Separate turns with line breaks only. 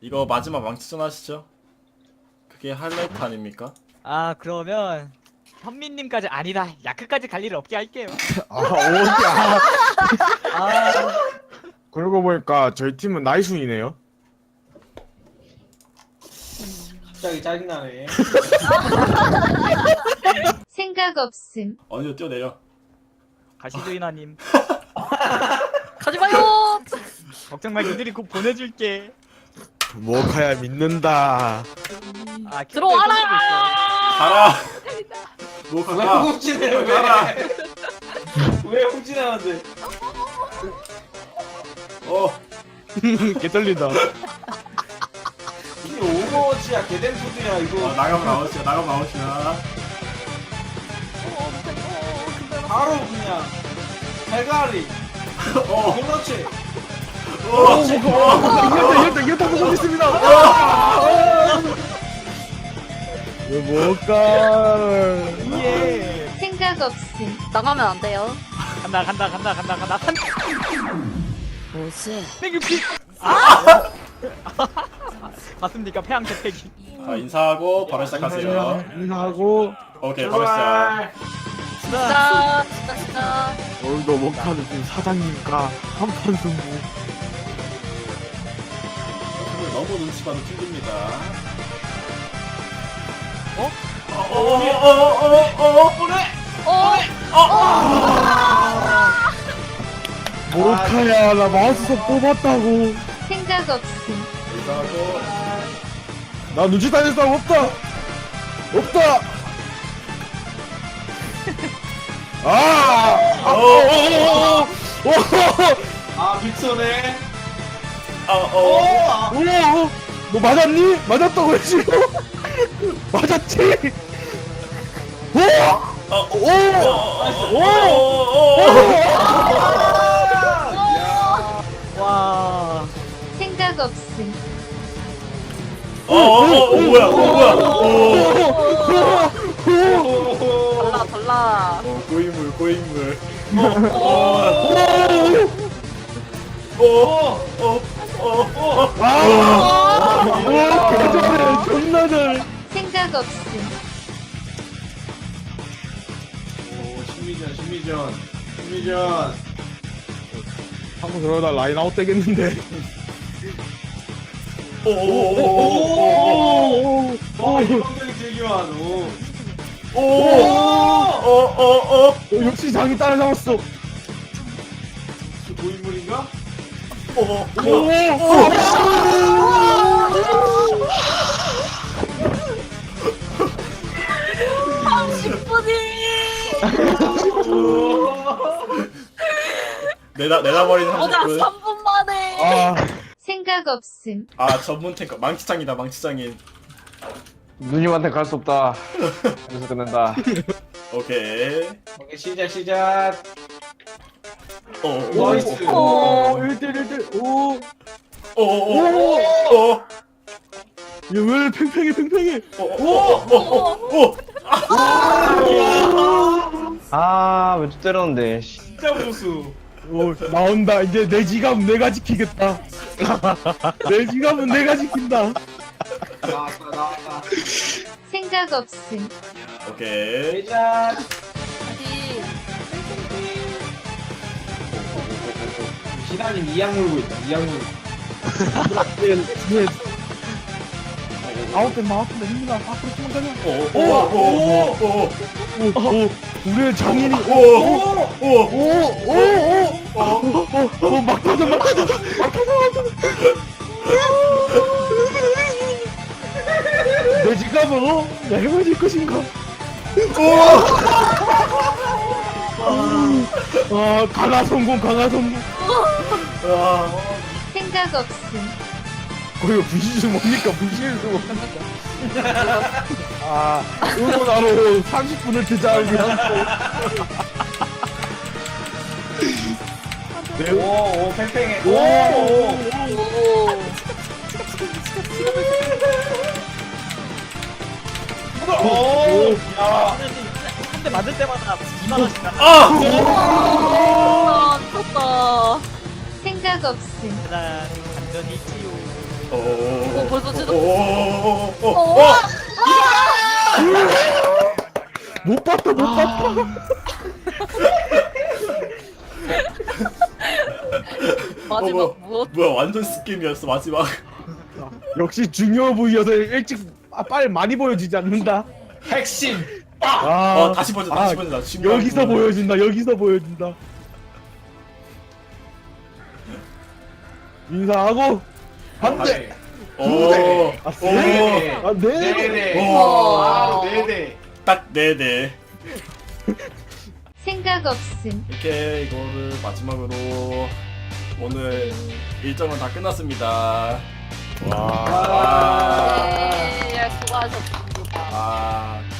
이거 마지막 망치전 하시죠. 그게 하이라이트 아닙니까?
아 그러면 현민님까지 아니다 야크까지 갈 일은 없게 할게요. 아
그러고 보니까 저희 팀은 나이순이네요.
갑자기 짜증나네.
생각 없음.
어디로 뛰어내려.
가시죠 이나님.
가지마요.
걱정 마 니들이 곧 보내줄게.
모카야 믿는다.
아
들어와라.
가라. 뭐
왜
가라.
훔치네
가라.
왜 훔치나는데?
개 떨린다.
이게 오버워치야 개댄푸드야 이거.
나가면 아웃이야. 나가면 아웃이야.
바로 그냥 대가리. 그렇지.
이겼다 보고 있습니다. 모카.
예.
생각 없음.
나가면 안 돼요.
간다.
뭐지?
땡큐피. 아. 맞습니까 폐왕 재패기.
자, 인사하고 바로 시작하세요.
인사하고
오케이, 바로 시작.
진짜.
오늘도 모카는 지금 사장님과 한판 승부.
너무 눈치 봐도 튕깁니다.
모카야 나 마우스석 뽑았다고.
생각 없음.
인사하고.
나 눈치 다닐 사람 없다. 없다.
아 빅소네.
너 맞았니? 맞았다고 했지? 맞았지?
와.
생각 없음.
뭐야.
달라.
고인물.
개잘해 존나 잘해.
생각 없음.
오 심리전.
한번 그러다 라인 아웃 되겠는데.
이방병이 즐기만.
역시 장이 따라잡았어.
고인물인가?
내다버리는
오자
30분.
3분 만에.
생각 없음.
전문 탱커. 망치장이다, 망치장인.
누님한테 갈 수 없다. 여기서 끝낸다.
오케이.
오케이 시작. 나이스.
1대1. 왜 팽팽해.
아, 왜 때렸는데.
진짜 무수.
나온다. 이제 내 지갑 내가 지키겠다. 내 지갑은 내가 지킨다.
나왔다.
생각 없음.
오케이.
시작.
어디?
시다님 이악 물고 있다.
아웃된다. 힘들다. 앞으로 도망가자. 우리의 장인이. 막 터져. 내 지갑은 내가 가질 것인가? 강화 성공.
생각 없음.
이거 분신술 뭡니까? 응원하러 30분을 투자하면
오 팽팽해.
한 대 맞을 때마다 2만 원씩 나.
미쳤다.
생각 없음.
난 완전히 치유.
오.
벌써 지도
오오오오오오
못 봤다 못 봤다.
마지막 무엇?
뭐야 완전 스킵이었어 마지막.
역시 중요 부위여서 일찍 빨리 많이 보여지지 않는다.
핵심.
아,
다시 보자 다시 보자.
여기서 보여준다. 여기서 보여준다. 인사하고 한 대.
오.
아, 세 대. 아, 네 대.
네네.
오.
아, 네네.
딱 네네.
생각 없음.
이렇게 이거를 마지막으로 오늘 일정은 다 끝났습니다.
와.
와.
네, 수고하셨습니다.
아